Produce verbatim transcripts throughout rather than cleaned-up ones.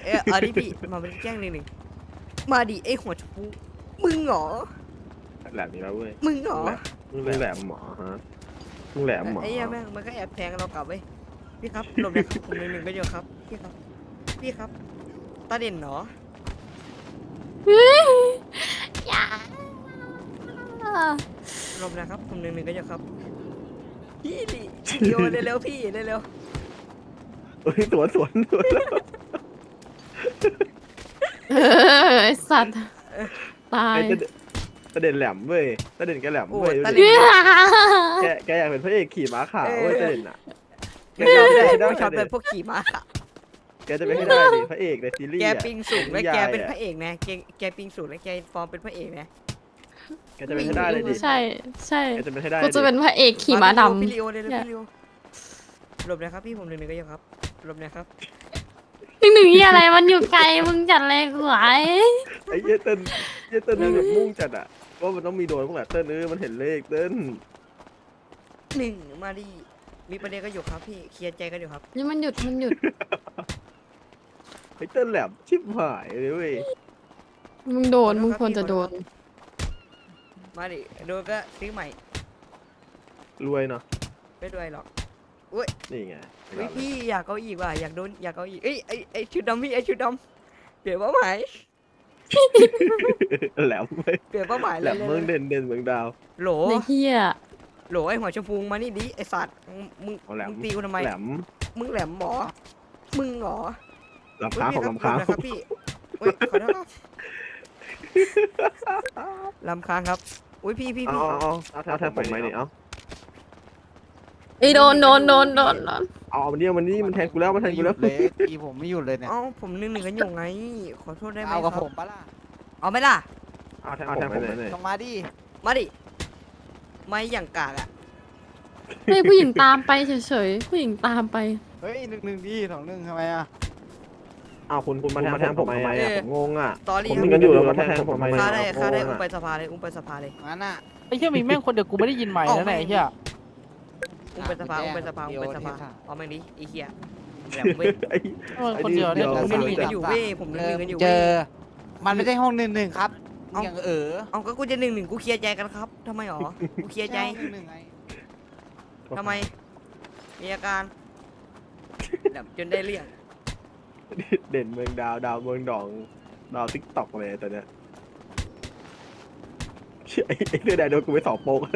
ออเอาดิพี่มาเป็นแจ้งหนึ่งหนึ่งมาดิไอหัวชมพูมึงเหรอแหลมนี่แล้วเว้ยมึงเหรอมึงแหลมหมอฮะมึงแหลมหมอไอ้เหี้ยแม่งมันก็แอบแทงเรากลับเว้ยพี่ครับหลบเลยครับผมหนึ่งหนึ่งก็เยอะครับพี่ครับพี่ครับตาเด่นเหรออย่าหลบนะครับผมหนึ่งหนึ่งก็เยอะครับพี่ดิเร็วเร็วๆพี่เร็วเฮ้ยสวนสวนสวนเออไอสัตว์ตายไอ้ตะเด่นแหลมเว้ยตะเด่นแกแหลมๆโอ้เว้ยตาดูเด่ดินแกแกอยากเป็นพระเอกขี่ม้าขาวเว้ยตะเด่นอ่ะไม่ชอบเลยไม่ชอบเป็นพวกขี่ม้าค่ะแกจะเป็นให้ได้ดิพระเอกในซีรีส์แกอะปิงสูงและแกเป็นพอะระเอกนะแกแกปิงสูงและแกฟอร์มเป็นพระเอกนะแกจะเป็นให้ได้เลยดิใช่ใช่แกจะเป็นให้ได้กูจะเป็นพระเอกขี่ม้าดำพี่ลิโอเร็วๆพี่ลิโอหลบนะครับพี่ผมหนึ่งหนึ่งก็เยอะครับหลบนะครับหนึ่งหนึ่งยี่อะไรมันอยู่ไกลมึงจัดเลยกูไอ้ไอ้เหี้ยเต้นเหี้ยเต้นนี่แบบมุ่งจัดอ่ะว่ามันต้องมีโดนพวกแหละเต้นเออมันเห็นเลขเต้นหนึ่งมาดิมีประเด็นกันอยู่ครับพี่เคลียร์ใจกันอยู่ครับนี่มันหยุดมันหยุดไอ้เต้นแหลมชิบหายเลยเว้ยมึงโดนมึงควรจะโดนมาดิโดนก็ซื้อใหม่รวยเนาะไม่ด้วยหรอกนี่ไงเฮ้ยพี่อยากเอาอีกว่ะอยากโดนอยากเอาอีกเอ้ยไอไอชุดดำพี่ไอชุดดำเปลี่ยนเป้าหมายแหลมเว้ยเปลี่ยนเป้าหมายแหเลลยมเลยเมืองเด่นเด่นเมืองดาวโหลในเฮียโหลไอหัวชมพูมานี่ดิไอสัตว์มึงเอาแหลมมึงตีกูทำไมแหลมมึงแหลมหมอมึงเหรอลำค้างของลำค้างเฮ้ยพี่ครับพี่เฮ้ยขอโทษครับลำค้างครับอุ้ยพี่พี่เอาพี่เอาเอาเอาแทนผมไหมนี่เอาไอโดนโดนโดนโดนโดนเอามันเนี่ยมันนี่มันแทงกูแล้วมันแทงกูแล้วเลยตีผมไม่หยุดเลยเนี่ยเอ้าผมหนึ่งหนึ่งกันอยู่ไง ขอโทษได้ไหมเอาคกัรับบ ผมปะล่ะเอาไหมล่ะเอาแทงผมไหมเนี่ยลงมาดิมาดิไม่อย่างกากอ่ะให้ผู้หญิงตามไปเฉยๆผู้หญิงตามไปเฮ้ยหนึ่งหนึ่งดิสองหนึ่งทำไมอ่ะเอาคุณคุณมาแทงผมทำไมอ่ะผมงงอ่ะตอรี่ผมคมีรับกันอยู่แล้วมาแทงผมทำไมฆ่าได้ฆ่าได้งอุ้มงไปอะสภาเลยอุ้มไปสภาเลยงั้นอ่ะไอ้เหี้ยมีแม่งคนเดียวกูไม่ได้ยินใหม่นะไหนยไอ้เหี้ยอุ้มไปสภาอ่ะอุ้มไปสภาเดี๋อุ้ยวมไปสภาเดี๋ยวเอาแม่งดิไอ้เหี้ยแหลมเว้ยไอ้เออคนเดียวเนี่ยผมหดี๋นึ่งหนึ่งกันอยู่เว้ยผมหนึ่งเจหอนึ่งกันอยู่เจเว้ยอ มันไม่ใช่ห้องหนึ่งหนึ่งครับเอ้าอย่างเออเอาก็กูจะหนึ่งหนึ่งกูเคลียร์ใจกันครับทำไมหรอกูเคลียร์ใจห้องหนึ่งหนึ่งไงทำไมมีอาการแหลมจนได้เรื่องเด่นเมืองดาวดาวเมืองดองดาวติ๊กต็อกเลยตอนเนี้ยไอ้ไอ้เสื้อแดงโดนกูไปสองโป๊ก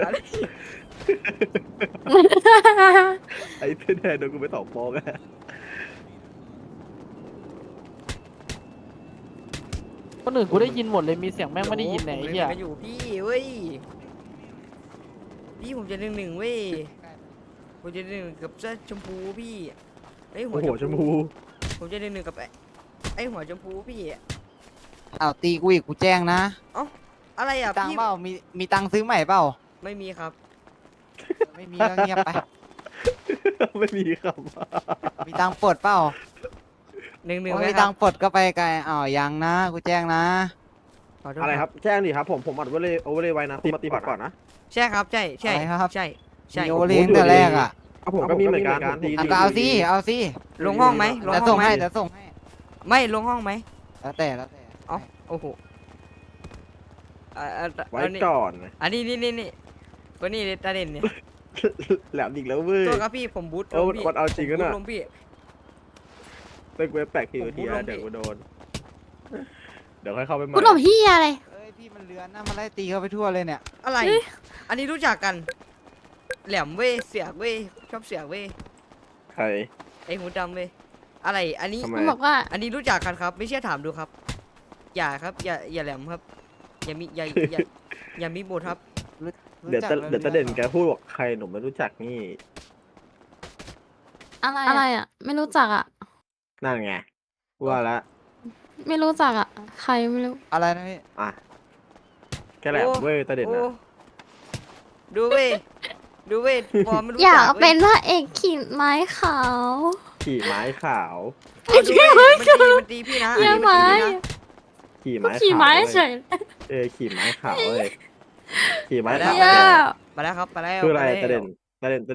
ไอ้เสื้อแดงโดนกูไปสองโป๊กอะคนอื่นกูได้ยินหมดเลยมีเสียงแม่งไม่ได้ยินไหนผมไอ้หนึ่งหเหี้ยนึ่งกันอยู่พี่เว้ยพี่ผมจะหนึ่งหนึ่งเว้ยผมจะหนึ่งหนึ่งกับเสื้อชมพูพี่ไอ้ยหัโอ้วโหชมพูผมจะหนึ่งหนึ่งกับไอ้ไอ้หัวชมพูพี่อ้าวตีกูอีกกูแจ้งนะอะไรอ่ะตังพี่ค์เปล่ามีมีตังค์ซื้อใหม่เปล่าไม่มีครับไม่มีก็เงียบไปไม่มีครับมีตังค์ปลดเปล่าหนึ่งหนึ่งโอ้ไหมมีคตัรับงค์ปลดก็ไปไกลอ้าวยังนะกูแจ้งนะขอโทษอะไรครับแจ้งดิครับผมผมอัดไว้เลยโอเวอร์เลยไว้นะมาตีพอร์ตก่อนนะใช่ครับใช่ใช่อะไรครับใช่ใช่มีโอเลี้ยงแต่แรกอ่ะเอาผมก็มีเหมือนกันดีอ่ะก็เอาสิเอาสิลงห้องไหมลงเดี๋ยวห้ส่องงไหมให้เดี๋ยวส่งให้ไม่ลงห้องไหมแล้วแต่แล้วแต่เอ๋อโอ้โหอ่าอ่าไว้อันนี้ก่อนอันนี้นี่นี่นี่ก็นี่ตาเด่นเนี่ยแหลมอีกแล้วเว้ยตัวครับพี่ผมบูทเออลงพี่มันเอาจริงผมนะบูทลงพี่เป็นเว็บแปลกทีผมทีบูทลงเดี๋ยวพี่กูโดนเดี๋ยวค่อยเข้าไปใหม่กูหลบเฮียอะไรเอ้ยพี่มันเลือนนะมันไล่ตีเขาไปทั่วเลยเนี่ยอะไร อันนี้รู้จักกัน แหลมเว้ยเสียกเว้ยชอบเสียกเว้ยใครไอหูดำเว้ยอะไรอันนี้ทำไมมันบอกว่าอันนี้รู้จักกันครับ ไม่เชื่อถามดูครับ อย่าครับ อย่าอย่าแหลมครับ อย่ามีอย่าอย่าอย่ามีบทครับรู้เดี๋ยวจักตะแล้วเดี๋ยวตะเด่นแกพูดบอกใครหนุ่มไม่รู้จักนี่อะไรอะไรอ่ะ ไม่รู้จักอ่ะนั่นไงว่าละไม่รู้จักอ่ะ ใครไม่รู้อะไรนะพี่อ่ะแกแหลมเว้ยตะเด่นโอ้นะดูเว้ยดูเว้ยฟอร์มไม่รู้อยากจักเป็ว้นพระเอกขี่ไม้ขาวขี่ไม้ขาวเอาดูเว้ยมันดีมันดีพี่นะอันเยี่ยนี้ไม้มันดีพี่นะขี่ไม้ขี่ขาวไม้เว้ยเฉยเออขี่ไม้ขาวเลยขี่ไม้ไปแล้ขาว วเยี่ยมาแล้วครับมาแล้วคืออะไรมาแล้วตะเด่นตะเด่น